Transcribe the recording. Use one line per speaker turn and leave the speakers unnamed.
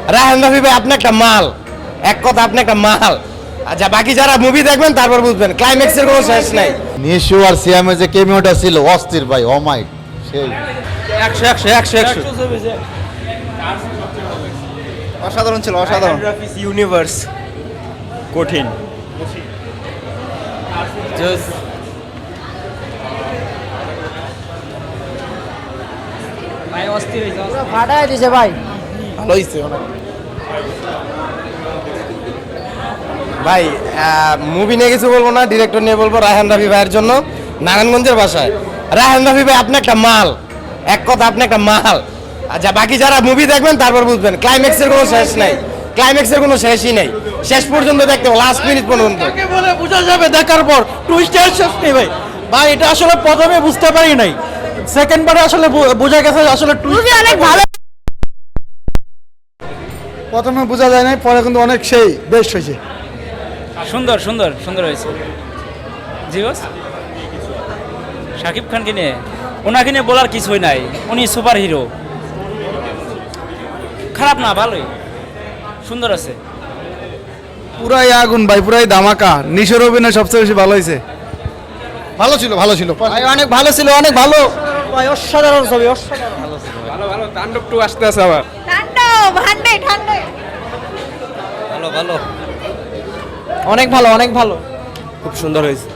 রায়হান রাফি ভাই আপনি একটা মাল, এক কথা আপনি একটা মাল। আচ্ছা বাকি যারা মুভি দেখবেন তারপর বুঝবেন, ক্লাইম্যাক্সের কোনো শেষ নাই।
নিশু আর সিয়ামের যে কেমিওটা ছিল অস্থির ভাই, অমাইক সেই
100
অসাধারণ ছিল, অসাধারণ।
ইউনিভার্স কঠিন।
ফাটাই দিছে ভাই।
ভালো হয়েছে অনেক ভাই। মুভি নিয়ে কিছু বলবো না, ডিরেক্টর নিয়ে বলবো। রায়হান রাফি ভাইয়ের জন্য নারায়ণগঞ্জের ভাষায়, রায়হান রাফি ভাই আপনি একটা মাল, এক কথা আপনি একটা মাল। আচ্ছা বাকি যারা মুভি দেখবেন তারপর বুঝবেন, ক্লাইম্যাক্সের কোনো শেষ নাই, ক্লাইম্যাক্সের কোনো শেষই নাই। শেষ পর্যন্ত দেখতে হবে, লাস্ট মিনিট পর্যন্ত।
কাকে বলে বোঝা যাবে দেখার পর, টুইস্টের শেষ নেই ভাই। ভাই এটা আসলে প্রথমে বুঝতে পারি নাই, সেকেন্ড বারে আসলে বোঝা গেছে আসলে
মুভি অনেক ভালো।
প্রথমে বোঝা যায় নাই, পরে কিন্তু অনেক সেই বেস্ট হয়েছে।
সুন্দর সুন্দর সুন্দর হয়েছে। জি বস, শাকিব খানকে নিয়ে, ওনাকে নিয়ে বলার কিছুই নাই, উনি সুপার হিরো। খারাপ না, ভালোই, সুন্দর আছে।
পুরাই আগুন ভাই, পুরাই ধামাকা। নিশোর অভিনয় সবচেয়ে বেশি ভালো হয়েছে। ভালো ছিল, ভালো ছিল
ভাই, অনেক ভালো ছিল, অনেক ভালো ভাই, অসাধারণ ছবি, অসাধারণ।
তাণ্ডব টু আসতে আছে আবার।
ঠান্ডা ঠান্ডা।
ভালো ভালো,
অনেক ভালো, অনেক ভালো।
খুব সুন্দর হয়েছে।